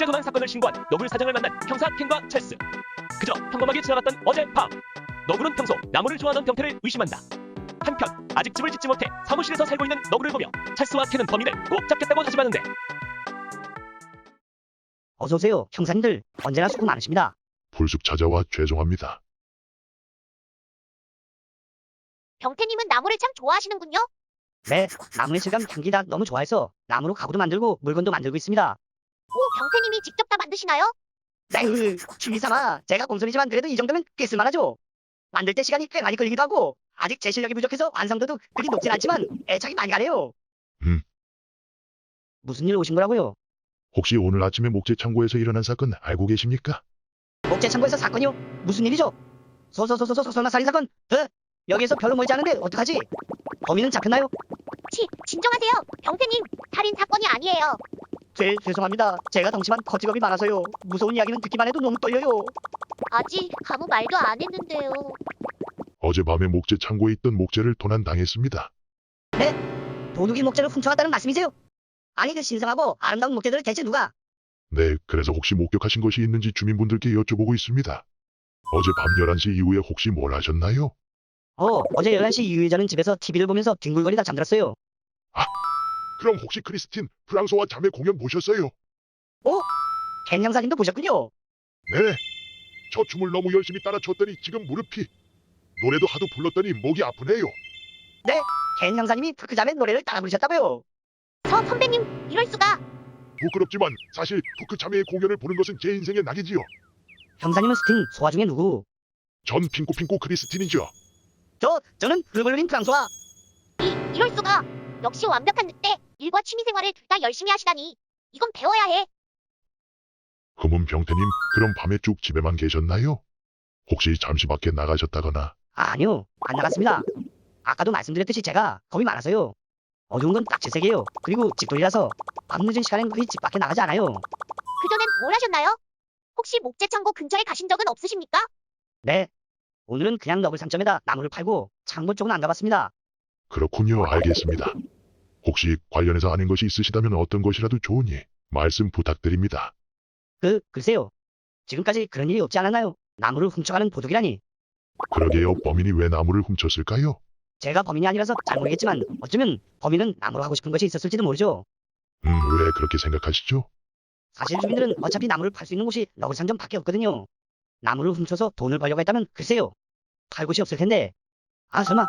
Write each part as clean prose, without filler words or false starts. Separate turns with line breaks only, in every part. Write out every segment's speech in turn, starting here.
도난 사건을 신고한 너굴 사장을 만난 형사 켄과 찰스. 그저 평범하게 지나갔던 어젯밤. 너굴은 평소 나무를 좋아하는 병태를 의심한다. 한편 아직 집을 짓지 못해 사무실에서 살고 있는 너굴을 보며 찰스와 켄은 범인을 꼭 잡겠다고 다짐하는데,
어서오세요, 형사님들. 언제나 수고 많으십니다.
불쑥 찾아와 죄송합니다.
병태님은 나무를 참 좋아하시는군요.
네, 나무의 질감 향기가 너무 좋아해서 나무로 가구도 만들고 물건도 만들고 있습니다.
오, 병태님이 직접 다 만드시나요?
네, 취미삼아 제가 공손이지만 그래도 이 정도면 꽤 쓸만하죠. 만들 때 시간이 꽤 많이 걸리기도 하고 아직 제 실력이 부족해서 완성도도 그리 높진 않지만 애착이 많이 가네요. 무슨 일 오신 거라고요?
혹시 오늘 아침에 목재 창고에서 일어난 사건 알고 계십니까?
목재 창고에서 사건이요? 무슨 일이죠? 설마 살인 사건? 여기에서 별로 멀지 않은데 어떡하지? 범인은 잡혔나요?
진정하세요. 병태님, 살인 사건이 아니에요.
죄송합니다. 제가 덩치만 거지겁이 많아서요. 무서운 이야기는 듣기만 해도 너무 떨려요.
아직 아무 말도 안 했는데요.
어젯밤에 목재 창고에 있던 목재를 도난당했습니다.
도둑이 목재를 훔쳐갔다는 말씀이세요? 아니 그 신성하고 아름다운 목재들을 대체 누가?
네, 그래서 혹시 목격하신 것이 있는지 주민분들께 여쭤보고 있습니다. 어제 밤 11시 이후에 혹시 뭘 하셨나요?
어제 11시 이후에 저는 집에서 TV를 보면서 뒹굴거리다 잠들었어요.
그럼 혹시 크리스틴, 프랑소와 자매 공연 보셨어요?
켄 형사님도 보셨군요.
네. 저 춤을 너무 열심히 따라 췄더니 지금 무릎이, 노래도 하도 불렀더니 목이 아프네요.
켄 형사님이 푸크자매 노래를 따라 부르셨다고요.
선배님, 이럴 수가.
부끄럽지만 사실 푸크 자매의 공연을 보는 것은 제 인생의 낙이지요.
형사님은 스팅, 소화 중에 누구?
전 핑코핑코 크리스틴이죠.
저는 블루블루린 프랑소아.
이럴 수가. 역시 완벽한 늑대. 일과 취미 생활을 둘 다 열심히 하시다니. 이건 배워야 해.
금은 병태님, 그럼 밤에 쭉 집에만 계셨나요? 혹시 잠시 밖에 나가셨다거나?
아니요, 안 나갔습니다. 아까도 말씀드렸듯이 제가 겁이 많아서요. 어두운 건 딱 제 색이에요. 그리고 집돌이라서 밤늦은 시간엔 거의 집 밖에 나가지 않아요.
그전엔 뭘 하셨나요? 혹시 목재 창고 근처에 가신 적은 없으십니까?
네, 오늘은 그냥 너블 상점에다 나무를 팔고 창고 쪽은 안 가봤습니다.
그렇군요. 알겠습니다. 혹시 관련해서 아는 것이 있으시다면 어떤 것이라도 좋으니 말씀 부탁드립니다.
글쎄요. 지금까지 그런 일이 없지 않았나요? 나무를 훔쳐가는 도둑이라니.
그러게요. 범인이 왜 나무를 훔쳤을까요?
제가 범인이 아니라서 잘 모르겠지만 어쩌면 범인은 나무로 하고 싶은 것이 있었을지도 모르죠.
왜 그렇게 생각하시죠?
사실 주민들은 어차피 나무를 팔 수 있는 곳이 너굴 상점밖에 없거든요. 나무를 훔쳐서 돈을 벌려고 했다면 글쎄요. 팔 곳이 없을 텐데. 설마.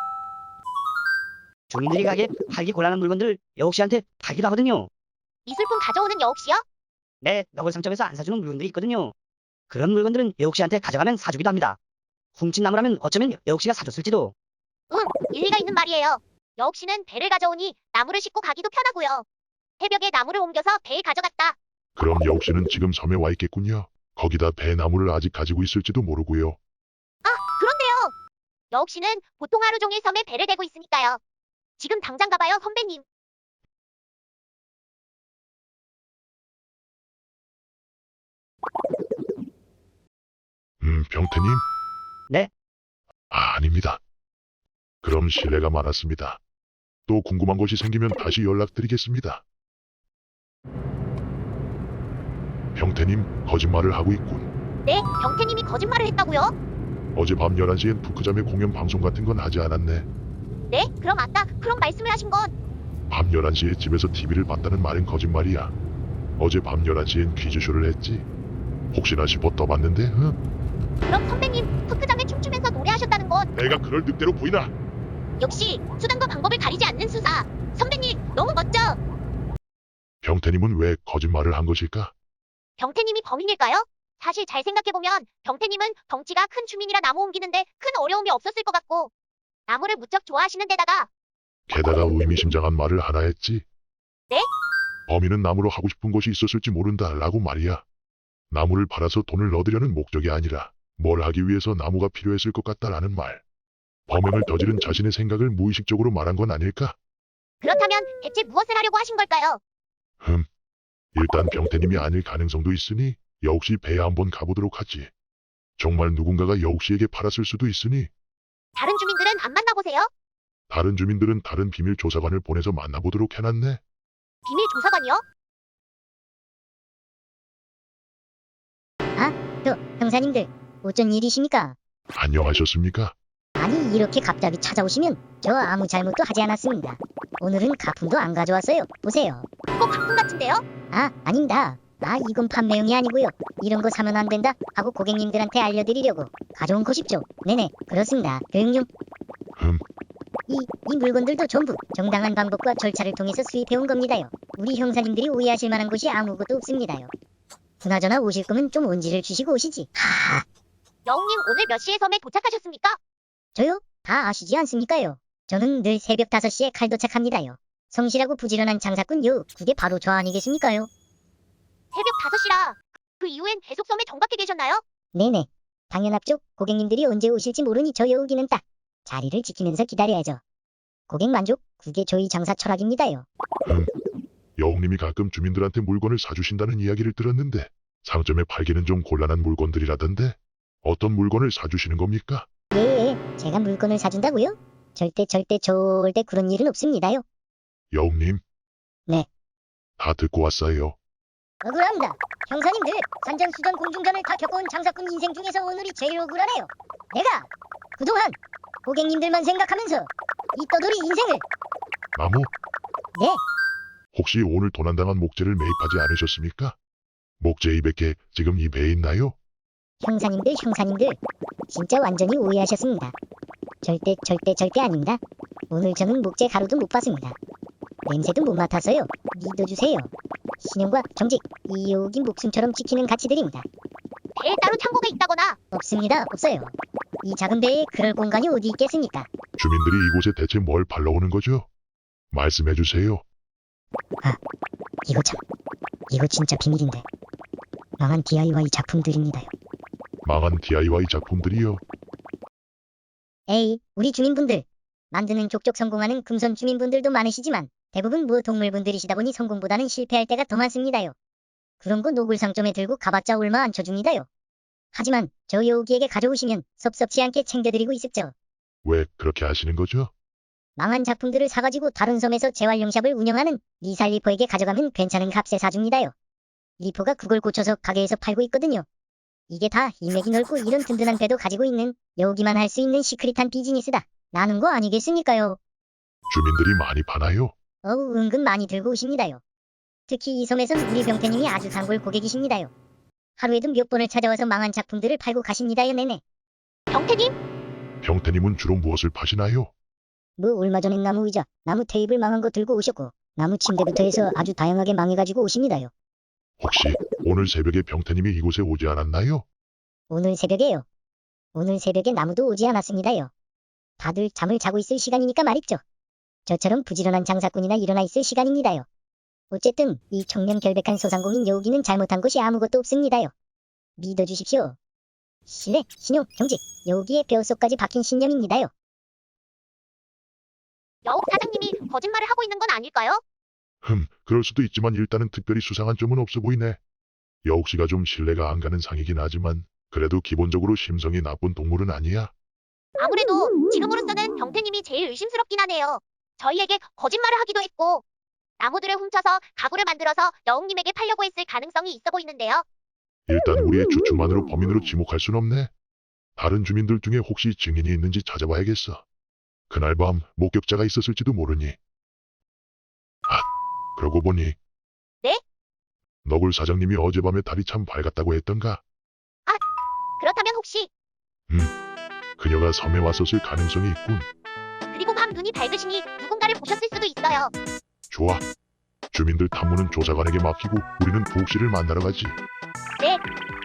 주민들이 가게 팔기 곤란한 물건들을 여옥 씨한테 팔기도 하거든요.
미술품 가져오는 여옥 씨요?
네, 너굴 상점에서 안 사주는 물건들이 있거든요. 그런 물건들은 여옥 씨한테 가져가면 사주기도 합니다. 훔친 나무라면 어쩌면 여옥 씨가 사줬을지도.
일리가 있는 말이에요. 여옥 씨는 배를 가져오니 나무를 싣고 가기도 편하고요. 새벽에 나무를 옮겨서 배에 가져갔다.
그럼 여옥 씨는 지금 섬에 와 있겠군요. 거기다 배나무를 아직 가지고 있을지도 모르고요.
그런데요. 여옥 씨는 보통 하루 종일 섬에 배를 대고 있으니까요. 지금 당장 가봐요, 선배님.
병태님?
네?
아닙니다. 그럼 실례가 많았습니다. 또 궁금한 것이 생기면 다시 연락드리겠습니다. 병태님, 거짓말을 하고 있군.
네, 병태님이 거짓말을 했다고요?
어젯밤 11시엔 푸크잠의 공연 방송 같은 건 하지 않았네.
네, 그럼 아까 그런 말씀을 하신 건
밤 11시에 집에서 TV를 봤다는 말은 거짓말이야. 어제 밤 11시엔 퀴즈쇼를 했지. 혹시나 싶어 떠봤는데,
그럼 선배님 푸크잠에 춤추면서 노래하셨다는 건
내가 그럴 늑대로 보이나?
역시 수단과 방법을 가리지 않는 수사. 선배님, 너무 멋져.
병태님은 왜 거짓말을 한 것일까?
병태님이 범인일까요? 사실 잘 생각해보면 병태님은 덩치가 큰 주민이라 나무 옮기는데 큰 어려움이 없었을 것 같고 나무를 무척 좋아하시는 데다가
게다가 의미심장한 말을 하나 했지.
네?
범인은 나무로 하고 싶은 것이 있었을지 모른다라고 말이야. 나무를 팔아서 돈을 얻으려는 목적이 아니라 뭘 하기 위해서 나무가 필요했을 것 같다라는 말. 범행을 저지른 자신의 생각을 무의식적으로 말한 건 아닐까?
그렇다면 대체 무엇을 하려고 하신 걸까요?
일단 병태님이 아닐 가능성도 있으니 여옥씨 배에 한번 가보도록 하지. 정말 누군가가 여옥씨에게 팔았을 수도 있으니.
다른 주민들은 안 만나보세요?
다른 주민들은 다른 비밀 조사관을 보내서 만나보도록 해놨네.
비밀 조사관이요?
형사님들, 어쩐 일이십니까?
안녕하셨습니까?
아니, 이렇게 갑자기 찾아오시면 저 아무 잘못도 하지 않았습니다. 오늘은 가품도 안 가져왔어요. 보세요.
그거 가품 같은데요?
아닙니다. 이건 판매용이 아니고요. 이런 거 사면 안 된다 하고 고객님들한테 알려드리려고 가져온 것이죠. 네네, 그렇습니다. 교육용. 이 물건들도 전부 정당한 방법과 절차를 통해서 수입해온 겁니다요. 우리 형사님들이 오해하실 만한 것이 아무것도 없습니다요. 그나저나 오실 거면 좀 온지를 주시고 오시지.
여웅님 오늘 몇 시에 섬에 도착하셨습니까?
저요? 다 아시지 않습니까요? 저는 늘 새벽 5시에 칼 도착합니다요. 성실하고 부지런한 장사꾼요. 그게 바로 저 아니겠습니까요?
새벽 5시라. 그 이후엔 계속 섬에 정박해 계셨나요?
네네. 당연합죠. 고객님들이 언제 오실지 모르니 저 여우기는 딱 자리를 지키면서 기다려야죠. 고객 만족, 그게 저희 장사 철학입니다요.
여웅님이 가끔 주민들한테 물건을 사주신다는 이야기를 들었는데 상점에 팔기는 좀 곤란한 물건들이라던데 어떤 물건을 사주시는 겁니까?
예, 제가 물건을 사준다고요? 절대 그런 일은 없습니다요.
여웅님.
네.
다 듣고 왔어요.
억울합니다. 형사님들, 산전수전 공중전을 다 겪어온 장사꾼 인생 중에서 오늘이 제일 억울하네요. 내가 그동안 고객님들만 생각하면서 이 떠돌이 인생을.
나무?
네.
혹시 오늘 도난당한 목재를 매입하지 않으셨습니까? 목재 200개 지금 이 배에 있나요?
형사님들, 진짜 완전히 오해하셨습니다. 절대 아닙니다. 오늘 저는 목재 가루도 못 봤습니다. 냄새도 못 맡아서요. 믿어주세요. 신용과 정직, 이 여우기 목숨처럼 지키는 가치들입니다.
배에 따로 창고가 있다거나
없습니다. 없어요. 이 작은 배에 그럴 공간이 어디 있겠습니까?
주민들이 이곳에 대체 뭘 팔러 오는 거죠? 말씀해 주세요.
이거 진짜 비밀인데. 망한 DIY 작품들입니다요.
망한 DIY 작품들이요.
에이, 우리 주민분들. 만드는 족족 성공하는 금손 주민분들도 많으시지만 대부분 동물분들이시다 보니 성공보다는 실패할 때가 더 많습니다요. 그런 거 노블 상점에 들고 가봤자 얼마 안 쳐줍니다요. 하지만 저 여우기에게 가져오시면 섭섭치 않게 챙겨드리고 있습죠.
왜 그렇게 하시는 거죠?
망한 작품들을 사가지고 다른 섬에서 재활용샵을 운영하는 리살 리퍼에게 가져가면 괜찮은 값에 사줍니다요. 리퍼가 그걸 고쳐서 가게에서 팔고 있거든요. 이게 다 인맥이 넓고 이런 든든한 배도 가지고 있는 여우기만 할 수 있는 시크릿한 비즈니스다. 나는 거 아니겠습니까요?
주민들이 많이 파나요?
은근 많이 들고 오십니다요. 특히 이 섬에선 우리 병태님이 아주 단골 고객이십니다요. 하루에도 몇 번을 찾아와서 망한 작품들을 팔고 가십니다요. 네네.
병태님?
병태님은 주로 무엇을 파시나요?
얼마 전엔 나무 의자, 나무 테이블 망한 거 들고 오셨고 나무 침대부터 해서 아주 다양하게 망해가지고 오십니다요.
혹시 오늘 새벽에 병태님이 이곳에 오지 않았나요?
오늘 새벽에요. 오늘 새벽에 나무도 오지 않았습니다요. 다들 잠을 자고 있을 시간이니까 말입죠. 저처럼 부지런한 장사꾼이나 일어나 있을 시간입니다요. 어쨌든 이 청렴 결백한 소상공인 여우기는 잘못한 것이 아무것도 없습니다요. 믿어주십시오. 신뢰, 신용, 정직, 여우기의 뼛속까지 박힌 신념입니다요.
여욱 사장님이 거짓말을 하고 있는 건 아닐까요?
그럴 수도 있지만 일단은 특별히 수상한 점은 없어 보이네. 여욱씨가 좀 신뢰가 안 가는 상이긴 하지만 그래도 기본적으로 심성이 나쁜 동물은 아니야.
아무래도 지금으로서는 병태님이 제일 의심스럽긴 하네요. 저희에게 거짓말을 하기도 했고 나무들을 훔쳐서 가구를 만들어서 여웅님에게 팔려고 했을 가능성이 있어 보이는데요.
일단 우리의 추측만으로 범인으로 지목할 순 없네. 다른 주민들 중에 혹시 증인이 있는지 찾아봐야겠어. 그날 밤 목격자가 있었을지도 모르니. 그러고 보니.
네?
너굴 사장님이 어젯밤에 달이 참 밝았다고 했던가?
그렇다면 혹시
그녀가 섬에 왔었을 가능성이 있군.
그리고 밤 눈이 밝으시니 누군가를 보셨을 수도 있어요.
좋아. 주민들 탐문은 조사관에게 맡기고 우리는 부옥씨를 만나러 가지.
네.